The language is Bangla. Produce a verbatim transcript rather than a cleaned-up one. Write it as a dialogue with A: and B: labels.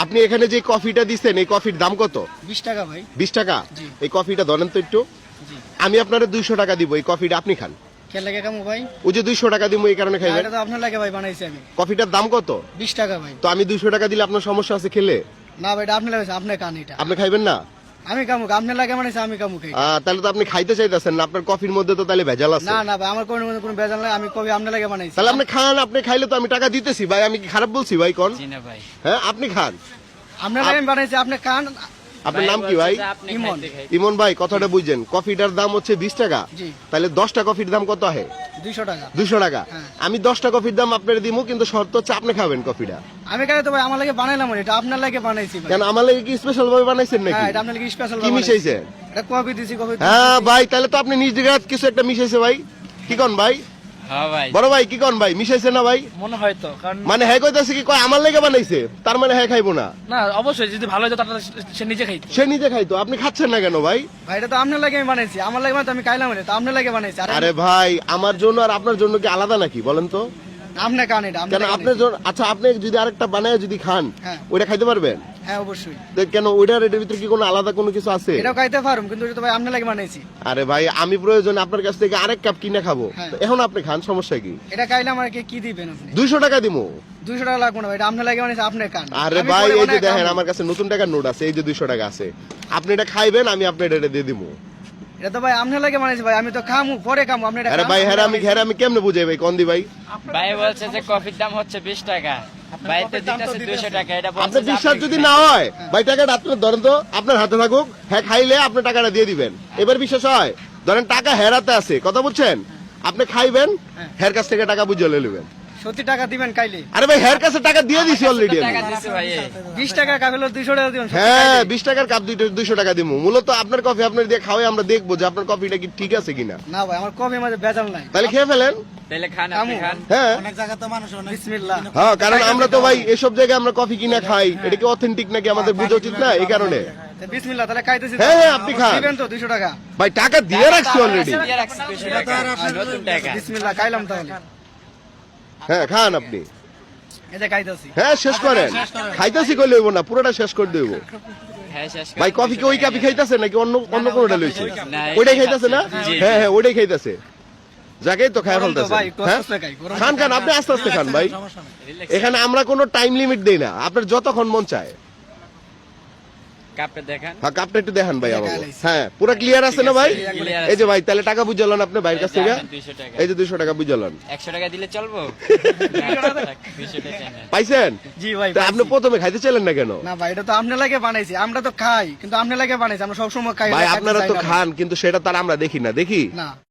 A: আপনি এখানে যে কফিটা দিচ্ছেন এই কফির দাম কত?
B: বিশ টাকা ভাই।
A: বিশ টাকা?
B: জি।
A: এই কফিটা ধরেন তো একটু।
B: জি।
A: আমি আপনারা দুইশো টাকা দিব, এই কফিটা আপনি খান।
B: কে লাগে কামু ভাই?
A: ওই যে দুইশো টাকা দিব এই কারণে খাইবেন।
B: এটা তো আপনার লাগে ভাই বানাইছি আমি।
A: কফিটার দাম কত?
B: বিশ টাকা ভাই।
A: তো আমি দুইশো টাকা দিলে আপনার সমস্যা আছে খেলে?
B: না ভাই এটা আপনার লাগে, আপনি খান এটা।
A: আপনি খাইবেন না?
B: আমি কামু, আপনার লাগে বানাইছি আমি কামু খাই।
A: আহ, তাহলে তো আপনি খাইতে চাইতেছেন না, আপনার কফির মধ্যে তো তাহলে ভেজাল আছে।
B: না না ভাই আমার কোনো মধ্যে কোনো ভেজাল নাই, আমি কবি আপনার লাগে বানাইছি।
A: তাহলে আপনি খান, আপনি খাইলে তো আমি টাকা দিতেছি ভাই, আমি কি খারাপ বলছি ভাই? কোন
C: জি না ভাই,
A: হ্যাঁ আপনি খান।
B: আপনার লাগে আমি বানাইছি, আপনি খান।
A: আপনার নাম কি ভাই?
B: ইমন।
A: ইমন ভাই কথাটা বুঝছেন, কফিটার দাম হচ্ছে বিশ টাকা।
B: জি।
A: তাহলে দশটা কফির দাম কত হয়?
B: দুইশো টাকা।
A: দুইশো টাকা।
B: হ্যাঁ।
A: আমি দশটা কফির দাম আপনার দিব, কিন্তু শর্ত হচ্ছে আপনি খাবেন কফিটা।
B: আমি কেন তো ভাই আমার লাগে বানাইলাম, এটা আপনার লাগে বানাইছি ভাই।
A: কেন আমার লাগে কি স্পেশাল ভাবে বানাইছেন নাকি?
B: হ্যাঁ এটা আপনার লাগে স্পেশাল
A: কি মিশাইছে?
B: এটা কফি দিছি, কফি
A: হ্যাঁ ভাই, তাহলে তো আপনি নিজ দিকে কিছু একটা মিশাইছে ভাই। কি কোন ভাই?
C: হ্যাঁ ভাই,
A: বড় ভাই কি কোন ভাই, মিশাইছে না ভাই?
D: মনে হয় তো, কারণ
A: মানে হ্যাঁ কইতাছে কি কয় আমার লেগে বানাইছে, তার মানে হ্যাঁ খাইবো না।
D: না অবশ্যই যদি ভালো হতো তাহলে সে নিজে খাইতো।
A: সে নিজে খাইতো, আপনি খাচ্ছেন না কেন ভাই?
B: ভাই এটা তো আপনার লাগে আমি বানাইছি, আমার লাগে মানে তো আমি খাইলাম, এটা তো আপনার লাগে বানাইছি। আরে
A: আরে ভাই, আমার জন্য আর আপনার জন্য কি আলাদা নাকি বলেন তো?
B: আপনি খান এটা,
A: কেন
B: আপনার
A: আপনার জন্য? আচ্ছা আপনি যদি আরেকটা বানায় যদি খান,
B: হ্যাঁ।
A: ওইটা খাইতে পারবেন?
B: হ্যাঁ অবশ্যই।
A: তো কেন ওইটার এটার ভিতরে কি কোনো আলাদা কোনো কিছু আছে?
B: এটাও খাইতে পারুম, কিন্তু এটা তো ভাই আপনার লাগে বানাইছি।
A: আরে ভাই, আমি প্রয়োজন আপনার কাছ থেকে আরেক কাপ কিনে খাবো,
B: হ্যাঁ।
A: তো এখন আপনি খান, সমস্যা কি?
B: এটা খাইলাম আর কি কি দিবেন আপনি?
A: দুইশো টাকা দিমু।
B: দুইশো টাকা লাগবে না ভাই, এটা আপনার লাগে বানাইছি, আপনি খান।
A: আরে
B: আমি
A: ভাই
B: পরে
A: এই যে
B: বানায়
A: দেখেন
B: খাবো।
A: আমার কাছে নতুন টাকার নোট আছে, এই যে দুইশো টাকা আছে, আপনি এটা খাইবেন, আমি আপনার এটা দিয়ে দিবো।
B: এটা তো ভাই আপনার লাগে বানাইছি ভাই, আমি তো খামু পরে খামু, আপনি এটা
A: আরে
B: খান,
A: ভাই
B: আমি
A: হ্যাঁ আমি
B: বানাইছি।
A: হ্যাঁ আমি কেমনে বুঝাই ভাই, কোন দি ভাই?
C: ভাই বলছে যে কফির দাম হচ্ছে বিশ টাকা, ভাই তো দিতেছে দুইশো টাকা। এটা বলছে
A: আপনার
C: যে
A: বিশ্বাস
C: আপনি
A: যদি
C: খান।
A: না হয় ভাই, টাকাটা আপনার ধরেন তো, আপনার হাতে থাকুক, হ্যাঁ খাইলে আপনি টাকাটা দিয়ে দিবেন। এবার বিশ্বাস হয়? ধরেন টাকা হেরাতে আছে, কথা বুঝছেন? আপনি খাইবেন, হের কাছ থেকে টাকা বুঝে নেবেন।
B: সত্যি টাকা দিবেন খাইলে?
A: আরে ভাই হের কাছে টাকা দিয়ে দিছি অলরেডি
C: টাকা
A: আমি।
C: দিছে ভাই।
B: বিশ টাকা খাইলে দুইশো টাকা দিবেন? সত্যি
A: হ্যাঁ
B: খাইলে?
A: বিশ টাকার কাপ দুইটা দুইশো টাকা দিব। মূলত আপনার কফি আপনার দিয়ে খাওয়াই আমরা দেখবো যে আপনার কফিটা কি ঠিক আছে কিনা।
B: না ভাই আমার কফি মাঝে ভেজাল নাই।
A: তাহলে খেয়ে ফেলেন।
C: তাহলে খান, আপনি
B: খামু।
C: খান।
A: হ্যাঁ
E: অনেক জায়গা তো মানুষ অনেক
B: বিসমিল্লাহ।
A: হ্যাঁ, কারণ আমরা তো ভাই এসব জায়গায় আমরা কফি কিনা খাই, এটা কি অথেন্টিক নাকি আমাদের বোঝা উচিত না, এই কারণে।
B: তা বিসমিল্লাহ, তাহলে খাইতেছি।
A: হ্যাঁ, হ্যাঁ, আপনি খান।
B: দিবেন তো দুইশো টাকা?
A: ভাই টাকা দিয়ে রাখছি অলরেডি।
C: দিয়ে রাখছি দুইশো টাকা, নতুন টাকা।
B: বিসমিল্লাহ, খাইলাম তাহলে।
A: হ্যাঁ খান আপনি।
B: এই যে খাইতেছি।
A: হ্যাঁ শেষ করেন, খাইতেছি কইলে হইব না, পুরোটা শেষ করে দেব।
C: হ্যাঁ শেষ করে
A: ভাই কফি কি ওই কাপি খাইতেছে নাকি অন্য অন্য কোনটা লইছে?
C: না,
A: ওইটাই খাইতেছে না?
C: জি।
A: হ্যাঁ হ্যাঁ ওইটাই খাইতেছে। যাকেই তো খায়
B: গরম তো
A: ফেলতেছে।
B: ভাই, একটু
A: হ্যাঁ
B: আস্তে আস্তে খাই, গরম
A: খান খান, আপনি আস্তে আস্তে খান ভাই।
E: সমস্যা নেই।
C: relax।
A: এখানে আমরা কোনো টাইম লিমিট দেই না, আপনার যতক্ষণ মন চায়।
C: কাপটা দেখান।
A: হ্যাঁ কাপটা একটু দেখান ভাই আমাকে।
B: দেখাইছি।
A: হ্যাঁ পুরো ক্লিয়ার আছে না ভাই?
C: Clear
A: এই যে ভাই তাহলে টাকা বুঝালেন আপনি ভাইয়ের কাছ থেকে?
C: দুইশো টাকা।
A: এই যে দুইশো টাকা বুঝালেন,
C: একশো টাকা দিলে চলবো? দুইশো টাকা না।
A: পাইছেন?
B: জি ভাই
A: তা আপনি
B: পাইছি।
A: প্রথমে খাইতে চাইলেন না কেন?
B: না ভাই এটা তো আপনার লাগে বানাইছি, আমরা তো খাই, কিন্তু আপনার লাগে বানাইছি, আমরা সবসময় খাই।
A: ভাই
B: খাইতে
A: আপনারা
B: চাই
A: তো
B: না ভাই।
A: খান, কিন্তু সেটা তার আমরা দেখি না, দেখি
B: না